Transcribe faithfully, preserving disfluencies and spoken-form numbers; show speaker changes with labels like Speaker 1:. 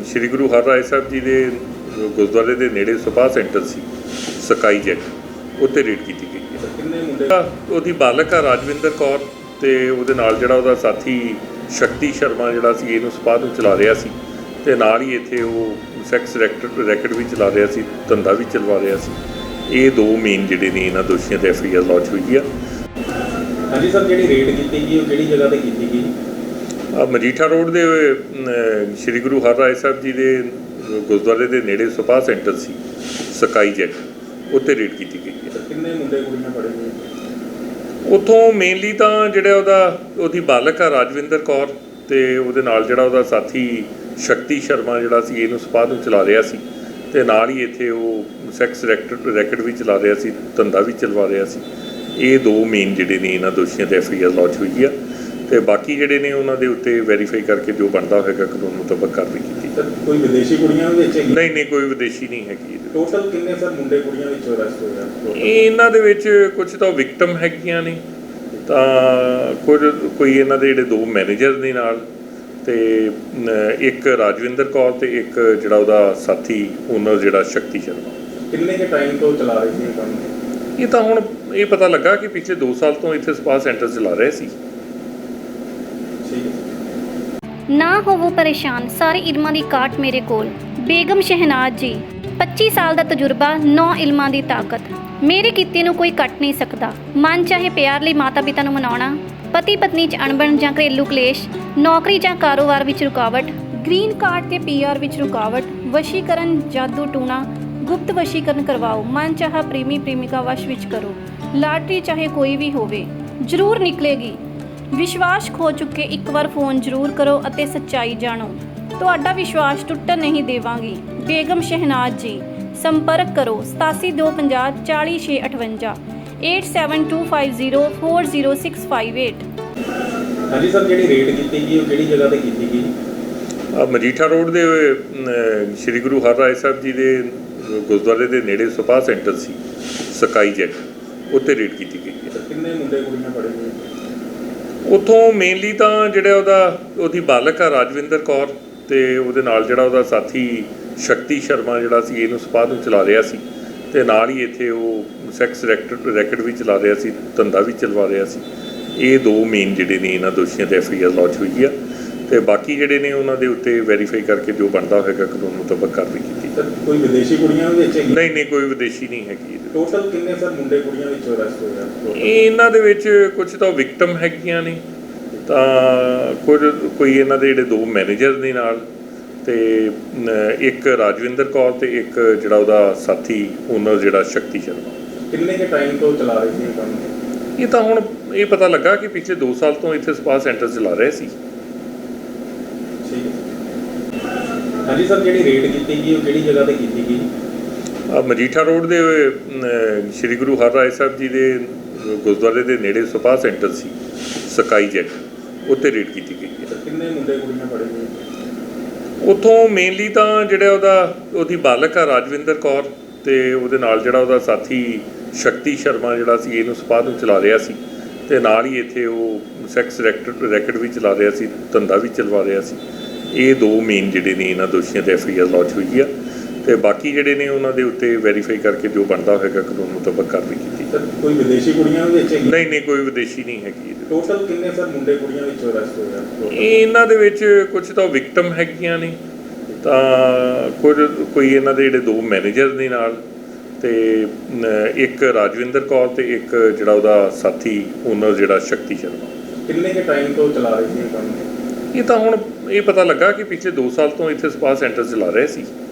Speaker 1: ਸ਼੍ਰੀ ਗੁਰੂ ਹਰਰਾਏ ਸਾਹਿਬ ਜੀ ਦੇ ਗੁਰਦੁਆਰੇ ਦੇ ਨੇੜੇ ਸਪਾ ਸੈਂਟਰ ਸੀ ਸਕਾਈ ਜੈਟ ਉੱਤੇ ਰੇਡ ਕੀਤੀ ਗਈ ਹੈ।
Speaker 2: ਕਿੰਨੇ ਮੁੰਡੇ
Speaker 1: ਉਹਦੀ ਬਾਲਕ ਆ ਰਾਜਵਿੰਦਰ ਕੌਰ ਤੇ ਉਹਦੇ ਨਾਲ ਜਿਹੜਾ ਉਹਦਾ ਸਾਥੀ ਸ਼ਕਤੀ ਸ਼ਰਮਾ ਜਿਹੜਾ ਸੀ ਇਹਨੂੰ ਸਪਾ ਨੂੰ ਚਲਾ ਰਿਹਾ ਸੀ ਤੇ ਨਾਲ ਹੀ ਇੱਥੇ ਉਹ ਸੈਕਸ ਰੈਕਟ ਰੈਕਟ ਵੀ ਚਲਾ ਰਿਹਾ ਸੀ, ਧੰਦਾ ਵੀ ਚਲਵਾ ਰਿਹਾ ਸੀ। ਇਹ ਦੋ ਮੇਨ ਜਿਹੜੇ ਨੇ ਇਹਨਾਂ ਦੋਸ਼ੀਆਂ ਤੇ ਐਫ ਆਈ ਆਰ ਲੌਂਚ ਹੋਈ ਆ।
Speaker 2: ਹਾਂਜੀ ਸਰ, ਜਿਹੜੀ ਰੇਡ ਕੀਤੀ ਗਈ ਉਹ ਕਿਹੜੀ ਜਗ੍ਹਾ ਤੇ ਕੀਤੀ ਗਈ?
Speaker 1: ਆ ਮਜੀਠਾ ਰੋਡ ਦੇ ਸ਼੍ਰੀ ਗੁਰੂ ਹਰਰਾਏ ਸਾਹਿਬ ਜੀ ਦੇ ਗੁਰਦੁਆਰੇ ਦੇ ਨੇੜੇ ਸਪਾ ਸੈਂਟਰ ਸੀ ਸਕਾਈ ਜੈਟ ਉੱਤੇ ਰੇਡ ਕੀਤੀ ਗਈ ਹੈ।
Speaker 2: ਕਿੰਨੇ ਮੁੰਡੇ ਕੁੜੀਆਂ ਫੜੇ ਗਏ?
Speaker 1: ਉੱਥੋਂ ਮੇਨਲੀ ਤਾਂ ਜਿਹੜਾ ਉਹਦਾ ਉਹਦੀ ਬਾਲਕ ਆ ਰਾਜਵਿੰਦਰ ਕੌਰ ਤੇ ਉਹਦੇ ਨਾਲ ਜਿਹੜਾ ਉਹਦਾ ਸਾਥੀ ਸ਼ਕਤੀ ਸ਼ਰਮਾ ਜਿਹੜਾ ਸੀ ਇਹਨੂੰ ਸਪਾ ਨੂੰ ਚਲਾ ਰਿਹਾ ਸੀ ਤੇ ਨਾਲ ਹੀ ਇੱਥੇ ਉਹ ਸੈਕਸ ਰੈਕਟ ਰੈਕਟ ਵੀ ਚਲਾ ਰਿਹਾ ਸੀ, ਧੰਦਾ ਵੀ ਚਲਵਾ ਰਿਹਾ ਸੀ। ਇਹ ਦੋ ਮੇਨ ਜਿਹੜੇ ਨੇ ਇਹਨਾਂ ਦੋਸ਼ੀਆਂ ਤੇ ਐਫ ਆਈ ਆਰ ਲੌਂਚ ਹੋਈ ਆ ਤੇ ਬਾਕੀ ਜਿਹੜੇ ਨੇ ਉਹਨਾਂ ਦੇ ਉੱਤੇ ਵੈਰੀਫਾਈ ਕਰਕੇ ਜੋ ਬਣਦਾ ਹੋਏਗਾ ਕਾਨੂੰਨ ਮੁਤਾਬਕ ਕਾਰਵਾਈ ਕੀਤੀ।
Speaker 2: ਸਰ ਕੋਈ ਵਿਦੇਸ਼ੀ ਕੁੜੀਆਂ ਵਿੱਚ ਹੈਗੀ?
Speaker 1: ਨਹੀਂ ਨਹੀਂ ਕੋਈ ਵਿਦੇਸ਼ੀ ਨਹੀਂ ਹੈਗੀ।
Speaker 2: ਟੋਟਲ ਕਿੰਨੇ ਸਰ ਮੁੰਡੇ ਕੁੜੀਆਂ ਵਿੱਚੋਂ ਅਰੈਸਟ ਹੋਏ ਆ?
Speaker 1: ਇਹਨਾਂ ਦੇ ਵਿੱਚ ਕੁਝ ਤਾਂ ਵਿਕਟਮ ਹੈਗੀਆਂ ਨੇ ਤਾਂ ਕੁਝ ਕੋਈ ਇਹਨਾਂ ਦੇ ਜਿਹੜੇ ਦੋ ਮੈਨੇਜਰ ਨੇ ਨਾਲ ਤੇ ਇੱਕ ਰਾਜਵਿੰਦਰ ਕੌਰ ਤੇ ਇੱਕ ਜਿਹੜਾ ਉਹਦਾ ਸਾਥੀ ਓਨਰ ਜਿਹੜਾ ਸ਼ਕਤੀ ਸ਼ਰਮਾ।
Speaker 2: ਕਿੰਨੇ ਕੇ ਟਾਈਮ ਤੋਂ ਚਲਾ ਰਹੇ ਸੀ ਇਹ ਕੰਮ?
Speaker 1: ਇਹ ਤਾਂ ਹੁਣ ਇਹ ਪਤਾ ਲੱਗਾ ਕਿ ਪਿਛਲੇ ਦੋ ਸਾਲ ਤੋਂ ਇੱਥੇ ਸਪਾ ਸੈਂਟਰ ਚਲਾ ਰਹੇ ਸੀ।
Speaker 3: ਨਾ ਹੋਵੋ ਪਰੇਸ਼ਾਨ, ਸਾਰੇ ਇਲਮਾਂ ਦੀ ਕਾਟ ਮੇਰੇ ਕੋਲ। ਬੇਗਮ ਸ਼ਹਿਨਾਜ਼ ਜੀ, ਪੱਚੀ ਸਾਲ ਦਾ ਤਜਰਬਾ, ਨੌ ਇਲਮਾਂ ਦੀ ਤਾਕਤ। ਮੇਰੇ ਕੀਤੇ ਨੂੰ ਕੋਈ ਕੱਟ ਨਹੀਂ ਸਕਦਾ। ਮਨ ਚਾਹੇ ਪਿਆਰ ਲਈ ਮਾਤਾ ਪਿਤਾ ਨੂੰ ਮਨਾਉਣਾ, ਪਤੀ ਪਤਨੀ 'ਚ ਅਣਬਣ ਜਾਂ ਘਰੇਲੂ ਕਲੇਸ਼, ਨੌਕਰੀ ਜਾਂ ਕਾਰੋਬਾਰ ਵਿੱਚ ਰੁਕਾਵਟ, ਗ੍ਰੀਨ ਕਾਰਡ ਤੇ ਪੀ ਆਰ ਵਿੱਚ ਰੁਕਾਵਟ, ਵਸ਼ੀਕਰਨ, ਜਾਦੂ ਟੂਣਾ, ਗੁਪਤ ਵਸ਼ੀਕਰਨ ਕਰਵਾਓ, ਮਨ ਚਾਹਾ ਪ੍ਰੇਮੀ ਪ੍ਰੇਮਿਕਾ ਵਸ਼ ਵਿੱਚ ਕਰੋ। ਲਾਟਰੀ ਚਾਹੇ ਕੋਈ ਵੀ ਹੋਵੇ ਜ਼ਰੂਰ ਨਿਕਲੇਗੀ। ਵਿਸ਼ਵਾਸ ਖੋ ਚੁੱਕੇ ਇੱਕ ਵਾਰ ਫੋਨ ਜ਼ਰੂਰ ਕਰੋ ਅਤੇ ਸੱਚਾਈ ਜਾਣੋ। ਤੁਹਾਡਾ ਵਿਸ਼ਵਾਸ ਟੁੱਟਣ ਨਹੀਂ ਦੇਵਾਂਗੀ। ਬੇਗਮ ਸ਼ਹਿਨਾਜ਼ ਜੀ, ਸੰਪਰਕ ਕਰੋ ਸਤਾਸੀ ਦੋ ਪੰਜਾਹ ਚਾਲੀ ਛੇ ਅਠਵੰਜਾ eight seven two five zero four zero six five eight.
Speaker 2: ਹਾਂਜੀ ਸਰ, ਜਿਹੜੀ ਰੇਡ ਕੀਤੀ ਗਈ ਉਹ ਕਿਹੜੀ ਜਗ੍ਹਾ ਤੇ ਕੀਤੀ ਗਈ?
Speaker 1: ਆ ਮਜੀਠਾ ਰੋਡ ਦੇ ਸ਼੍ਰੀ ਗੁਰੂ ਹਰਰਾਏ ਸਾਹਿਬ ਜੀ ਦੇ ਗੁਰਦੁਆਰੇ ਦੇ ਨੇੜੇ ਸਪਾ ਸੈਂਟਰ ਸੀ ਸਕਾਈ ਜੈਟ ਉੱਤੇ ਰੇਡ ਕੀਤੀ ਗਈ ਹੈ।
Speaker 2: ਕਿੰਨੇ ਮੁੰਡੇ ਕੁੜੀਆਂ ਫੜੇ ਗਏ?
Speaker 1: ਉੱਥੋਂ ਮੇਨਲੀ ਤਾਂ ਜਿਹੜਾ ਉਹਦਾ ਉਹਦੀ ਬਾਲਕ ਆ ਰਾਜਵਿੰਦਰ ਕੌਰ ਤੇ ਉਹਦੇ ਨਾਲ ਜਿਹੜਾ ਉਹਦਾ ਸਾਥੀ ਸ਼ਕਤੀ ਸ਼ਰਮਾ ਜਿਹੜਾ ਸੀ ਇਹਨੂੰ ਸਪਾ ਨੂੰ ਚਲਾ ਰਿਹਾ ਸੀ ਤੇ ਨਾਲ ਹੀ ਇੱਥੇ ਉਹ ਸੈਕਸ ਰੈਕਟ ਰੈਕਟ ਵੀ ਚਲਾ ਰਿਹਾ ਸੀ, ਧੰਦਾ ਵੀ ਚਲਵਾ ਰਿਹਾ ਸੀ। ਇਹ ਦੋ ਮੇਨ ਜਿਹੜੇ ਨੇ ਇਹਨਾਂ ਦੋਸ਼ੀਆਂ ਤੇ ਐਫ ਆਈ ਆਰ ਲੌਂਚ ਹੋਈ ਆ ਤੇ ਬਾਕੀ ਜਿਹੜੇ ਨੇ ਉਹਨਾਂ ਦੇ ਉੱਤੇ ਵੈਰੀਫਾਈ ਕਰਕੇ ਜੋ ਬਣਦਾ ਹੋਏਗਾ ਕਾਨੂੰਨ ਮੁਤਾਬਕ ਕਾਰਵਾਈ ਕੀਤੀ।
Speaker 2: ਸਰ ਕੋਈ ਵਿਦੇਸ਼ੀ ਕੁੜੀਆਂ ਵਿੱਚ ਹੈਗੀ?
Speaker 1: ਨਹੀਂ ਨਹੀਂ ਕੋਈ ਵਿਦੇਸ਼ੀ ਨਹੀਂ ਹੈਗੀ।
Speaker 2: ਟੋਟਲ ਕਿੰਨੇ ਸਰ ਮੁੰਡੇ ਕੁੜੀਆਂ ਵਿੱਚੋਂ ਅਰੈਸਟ ਹੋਏ ਆ?
Speaker 1: ਇਹਨਾਂ ਦੇ ਵਿੱਚ ਕੁਝ ਤਾਂ ਵਿਕਟਮ ਹੈਗੀਆਂ ਨੇ ਤਾਂ ਕੁਝ ਕੋਈ ਇਹਨਾਂ ਦੇ ਜਿਹੜੇ ਦੋ ਮੈਨੇਜਰ ਨੇ ਨਾਲ ਤੇ ਇੱਕ ਰਾਜਵਿੰਦਰ ਕੌਰ ਤੇ ਇੱਕ ਜਿਹੜਾ ਉਹਦਾ ਸਾਥੀ ਓਨਰ ਜਿਹੜਾ ਸ਼ਕਤੀ ਸ਼ਰਮਾ। ਕਿੰਨੇ
Speaker 2: ਕੇ ਟਾਈਮ ਤੋਂ ਚਲਾ ਰਹੇ ਸੀ ਇਹ ਕੰਮ?
Speaker 1: ਇਹ ਤਾਂ ਹੁਣ ਇਹ ਪਤਾ ਲੱਗਾ ਕਿ ਪਿਛਲੇ ਦੋ ਸਾਲ ਤੋਂ ਇੱਥੇ ਸਪਾ ਸੈਂਟਰ ਚਲਾ ਰਹੇ ਸੀ।
Speaker 2: ਹਾਂਜੀ ਸਰ, ਜਿਹੜੀ ਰੇਡ ਕੀਤੀ ਗਈ ਉਹ ਕਿਹੜੀ ਜਗ੍ਹਾ ਤੇ ਕੀਤੀ ਗਈ?
Speaker 1: ਆ ਮਜੀਠਾ ਰੋਡ ਦੇ ਸ਼੍ਰੀ ਗੁਰੂ ਹਰਰਾਏ ਸਾਹਿਬ ਜੀ ਦੇ ਗੁਰਦੁਆਰੇ ਦੇ ਨੇੜੇ ਸਪਾ ਸੈਂਟਰ ਸੀ ਸਕਾਈ ਜੈਟ ਉੱਤੇ ਰੇਡ ਕੀਤੀ ਗਈ ਹੈ।
Speaker 2: ਕਿੰਨੇ ਮੁੰਡੇ ਕੁੜੀਆਂ ਫੜੇ ਗਏ?
Speaker 1: ਉੱਥੋਂ ਮੇਨਲੀ ਤਾਂ ਜਿਹੜਾ ਉਹਦਾ ਉਹਦੀ ਬਾਲਕ ਆ ਰਾਜਵਿੰਦਰ ਕੌਰ ਤੇ ਉਹਦੇ ਨਾਲ ਜਿਹੜਾ ਉਹਦਾ ਸਾਥੀ ਸ਼ਕਤੀ ਸ਼ਰਮਾ ਜਿਹੜਾ ਸੀ ਇਹਨੂੰ ਸਪਾ ਨੂੰ ਚਲਾ ਰਿਹਾ ਸੀ ਤੇ ਨਾਲ ਹੀ ਇੱਥੇ ਉਹ ਸੈਕਸ ਰੈਕਟ ਰੈਕਟ ਵੀ ਚਲਾ ਰਿਹਾ ਸੀ, ਧੰਦਾ ਵੀ ਚਲਵਾ ਰਿਹਾ ਸੀ। ਇਹ ਦੋ ਮੇਨ ਜਿਹੜੇ ਨੇ ਇਹਨਾਂ ਦੋਸ਼ੀਆਂ ਤੇ ਐਫ ਆਈ ਆਰ ਲੌਂਚ ਹੋਈ ਆ ਤੇ ਬਾਕੀ ਜਿਹੜੇ ਨੇ ਉਹਨਾਂ ਦੇ ਉੱਤੇ ਵੈਰੀਫਾਈ ਕਰਕੇ ਜੋ ਬਣਦਾ ਹੋਏਗਾ ਕਾਨੂੰਨ ਮੁਤਾਬਕ ਕਾਰਵਾਈ ਕੀਤੀ।
Speaker 2: ਸਰ ਕੋਈ ਵਿਦੇਸ਼ੀ ਕੁੜੀਆਂ ਵਿੱਚ ਹੈਗੀ?
Speaker 1: ਨਹੀਂ ਨਹੀਂ ਕੋਈ ਵਿਦੇਸ਼ੀ ਨਹੀਂ ਹੈਗੀ।
Speaker 2: ਟੋਟਲ ਕਿੰਨੇ ਸਰ ਮੁੰਡੇ ਕੁੜੀਆਂ ਵਿੱਚੋਂ ਅਰੈਸਟ ਹੋਏ ਆ?
Speaker 1: ਇਹਨਾਂ ਦੇ ਵਿੱਚ ਕੁਝ ਤਾਂ ਵਿਕਟਮ ਹੈਗੀਆਂ ਨੇ ਤਾਂ ਕੁਝ ਕੋਈ ਇਹਨਾਂ ਦੇ ਜਿਹੜੇ ਦੋ ਮੈਨੇਜਰ ਨੇ ਨਾਲ ਤੇ ਇੱਕ ਰਾਜਵਿੰਦਰ ਕੌਰ ਤੇ ਇੱਕ ਜਿਹੜਾ ਉਹਦਾ ਸਾਥੀ ਓਨਰ ਜਿਹੜਾ ਸ਼ਕਤੀ ਸ਼ਰਮਾ।
Speaker 2: ਕਿੰਨੇ ਕੇ ਟਾਈਮ ਤੋਂ ਚਲਾ ਰਹੇ ਸੀ ਇਹ ਕੰਮ?
Speaker 1: ਇਹ ਤਾਂ ਹੁਣ ਇਹ ਪਤਾ ਲੱਗਾ ਕਿ ਪਿਛਲੇ ਦੋ ਸਾਲ ਤੋਂ ਇੱਥੇ ਸਪਾ ਸੈਂਟਰ ਚਲਾ ਰਹੇ ਸੀ।